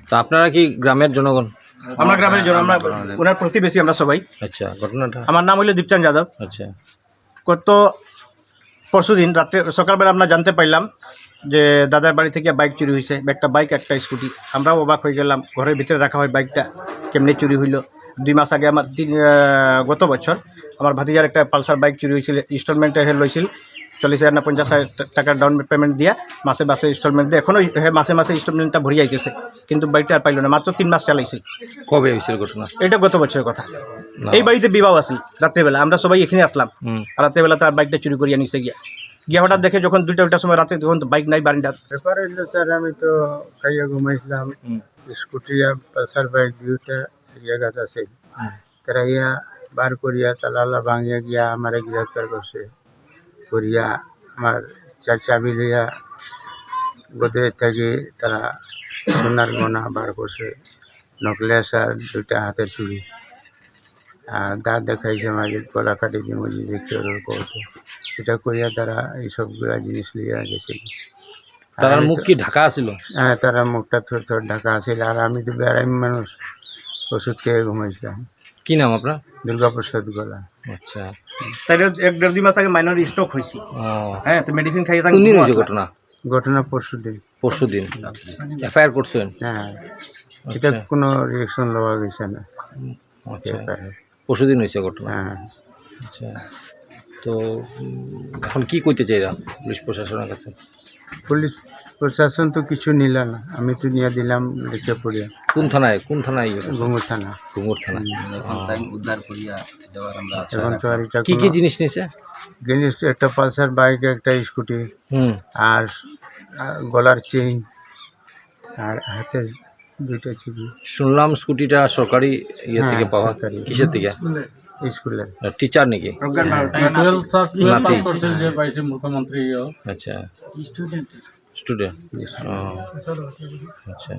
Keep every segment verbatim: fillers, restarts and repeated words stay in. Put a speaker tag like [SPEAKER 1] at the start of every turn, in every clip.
[SPEAKER 1] তো আপনারা কি গ্রামের জনগণ?
[SPEAKER 2] আমরা গ্রামের জন, আমরা ওনার প্রতিবেশী আমরা সবাই।
[SPEAKER 1] আচ্ছা, ঘটনাটা?
[SPEAKER 2] আমার নাম হইল দীপচাঁদ যাদব।
[SPEAKER 1] আচ্ছা,
[SPEAKER 2] গত পরশু দিন রাত্রে সকালবেলা আমরা জানতে পারলাম যে দাদার বাড়ি থেকে বাইক চুরি হয়েছে, একটা বাইক একটা স্কুটি। আমরাও অবাক হয়ে গেলাম, ঘরের ভিতরে রাখা হয় বাইকটা কেমনি চুরি হইল। দুই মাস আগে আমার তিন গত বছর আমার ভাতিজার একটা পালসার বাইক চুরি হয়েছিল, ইনস্টলমেন্টে হে লইছিল চল্লিশ হাজার না পঞ্চাশ হাজার টাকার ডাউন পেমেন্ট দিয়া মাসে মাসে ইনস্টলমেন্ট দিয়ে এখনও মাসে মাসে ইনস্টলমেন্টটা ভরিয়ে আইতেছে, কিন্তু বাইকটা আর পাইল না। মাত্র তিন মাস চালাইছিল।
[SPEAKER 1] কবে হয়েছিল ঘটনা?
[SPEAKER 2] এটা গত বছরের কথা। এই বাড়িতে বিবাহ আসল রাত্রেবেলা, আমরা সবাই এখানে আসলাম। রাত্রেবেলা তার বাইকটা চুরি করিয়া নিচে গিয়া গিয়া হঠাৎ দেখে যখন দুইটা দুইটার সময় রাতে তখন বাইক নাই বারিন্ডা।
[SPEAKER 3] ব্যাপার হইলো স্যার, আমি তো খাইয়া ঘুমাইছিলাম, স্কুটি আর পালসার বাইক দুইটা জায়গাত আছে, তারা ইয়া বার করিয়া তালা ভাঙিয়া গিয়া আমার গ্রেফতার করছে করিয়া আমার চার চাবি লইয়া গোদরেজ থেকে তারা সোনার গয়না বার করছে, নকলেস আর দুইটা হাতের চুড়ি আর দাঁত দেখাইছে মাঝে গলা কাটি দিয়ে মজি দেখতে করতে, এটা করিয়া তারা এইসবগুলা জিনিস লইয়া গেছে।
[SPEAKER 1] তার মুখ কি ঢাকা ছিল?
[SPEAKER 3] হ্যাঁ, তারা মুখটা থর থর ঢাকা আছিল। আর আমি তো বেড়াইম মানুষ, ওষুধ খেয়ে ঘুমাইছিলাম।
[SPEAKER 1] কি নাম আপনার?
[SPEAKER 3] দুর্গাপ্রসাদ গলা।
[SPEAKER 1] আচ্ছা,
[SPEAKER 2] তাই এক দেড় দুই মাস আগে মাইনর স্ট্রোক হয়েছে। হ্যাঁ, তো মেডিসিন খাইয়ে
[SPEAKER 1] কোন দিন হয়েছে ঘটনা?
[SPEAKER 3] ঘটনা পরশু দিন।
[SPEAKER 1] পরশু দিন এফআইআর করছেন?
[SPEAKER 3] হ্যাঁ, এটা কোনো রিয়েকশন লওয়া গেছে না।
[SPEAKER 1] আচ্ছা, পরশু দিন হয়েছে ঘটনা।
[SPEAKER 3] হ্যাঁ।
[SPEAKER 1] আচ্ছা, তো এখন কি করতে চাইরা পুলিশ প্রশাসনের কাছে?
[SPEAKER 3] পুলিশ প্রশাসন তো কিছু নিল না, আমি তো নিয়ে দিলাম লিখে পড়িয়া।
[SPEAKER 1] কোন থানায়? কোন থানায়?
[SPEAKER 3] ঘুঙুর থানা।
[SPEAKER 1] ঘুঙুর থানা।
[SPEAKER 3] এখন তো আর এটা
[SPEAKER 1] কি কি জিনিস নিছে?
[SPEAKER 3] জিনিস একটা পালসার বাইক, একটা স্কুটি,
[SPEAKER 1] হুম,
[SPEAKER 3] আর গলার চেইন আর হাতের দুইটা চুড়ি।
[SPEAKER 1] শুনলাম স্কুটিটা সরকারি ইয়ে থেকে
[SPEAKER 3] হ্যাঁ,
[SPEAKER 1] পাওয়া।
[SPEAKER 3] সরকারি।
[SPEAKER 1] কিসের থেকে?
[SPEAKER 3] স্কুলের
[SPEAKER 1] টিচার নাকি? নাতি?
[SPEAKER 3] মুখ্যমন্ত্রী।
[SPEAKER 1] আচ্ছা, স্টুডেন্ট। আচ্ছা,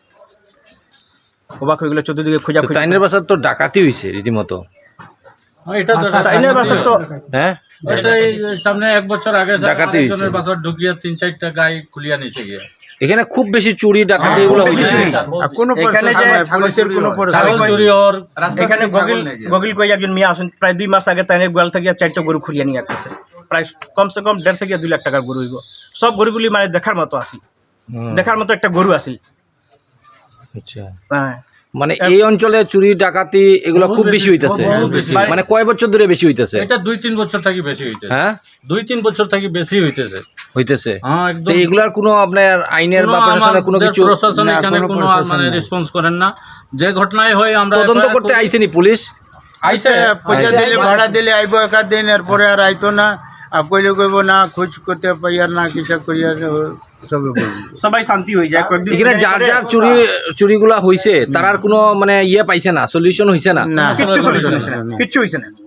[SPEAKER 2] অবাক হয়ে গেল, চতুর্দিকে খোঁজা
[SPEAKER 1] তো তাইনের বাসার তো ডাকাতি হয়েছে রীতিমতো।
[SPEAKER 2] তাইনের বাসার তো
[SPEAKER 1] হ্যাঁ,
[SPEAKER 4] সামনে এক বছর আগে
[SPEAKER 1] ডাকাতি হয়েছে।
[SPEAKER 4] বাসার ঢুকিয়ে তিন চারটা গাই খুলিয়া নিচে গিয়ে
[SPEAKER 1] এখানে খুব বেশি চুরি ডাকাতি এগুলো হয়েছে।
[SPEAKER 3] কোনো
[SPEAKER 2] এখানে যে
[SPEAKER 3] পুলিশের কোনো
[SPEAKER 4] ছাগল চুরি ওর
[SPEAKER 2] এখানে গগিল গগিল কই একজন মেয়ে আসেন, প্রায় দুই মাস আগে তাইনের গোয়াল থেকে চারটা গরু খুঁড়িয়ে নিয়ে আসতেছে। প্রায় কমসে কম দেড় থেকে দুই লাখ টাকার গরু হইব। সব গরুগুলি মানে দেখার মতো আসি, দেখার মতো একটা গরু আসি।
[SPEAKER 1] আচ্ছা,
[SPEAKER 2] হ্যাঁ,
[SPEAKER 1] মানে এই অঞ্চলে চুরি ডাকাতি এগুলো খুব বেশি হইতেছে। মানে কয় বছর ধরে বেশি হইতেছে?
[SPEAKER 4] এটা দুই তিন বছর থেকে বেশি হইতেছে।
[SPEAKER 1] হ্যাঁ,
[SPEAKER 4] দুই তিন বছর থেকে বেশি হইতেছে
[SPEAKER 1] হইতেছে।
[SPEAKER 4] হ্যাঁ,
[SPEAKER 1] তো
[SPEAKER 4] একদম।
[SPEAKER 1] এগুলার কোনো আপনার আইনের বা প্রশাসনের কোনো কিছু?
[SPEAKER 4] প্রশাসন
[SPEAKER 3] না,
[SPEAKER 4] এখানে
[SPEAKER 3] কোনো
[SPEAKER 4] কোনো
[SPEAKER 3] প্রশাসন
[SPEAKER 4] মানে
[SPEAKER 3] নাই।
[SPEAKER 4] রেসপন্স করেন না। যে ঘটনায় হয় আমরা
[SPEAKER 1] তদন্ত করতে আইসেনি পুলিশ?
[SPEAKER 4] আইসে
[SPEAKER 3] পয়সা দিলে ভাড়া দিলে আইব একাদ দিন, এরপরে আর আইতো না। আর কইলে কইব না, খোঁজ করতে পাইয়ার না, কিছু করিয়া সবে বলবো।
[SPEAKER 2] সবাই শান্তি হয়ে যায় কয়েকদিন।
[SPEAKER 1] এখানে যার যার চুরি চুরিগুলা হইছে তার আর কোনো মানে ইয়ে পাইছে না, সলিউশন হইছে না?
[SPEAKER 3] না,
[SPEAKER 2] কিচ্ছু solution হইছে না, কিচ্ছু হইছে না।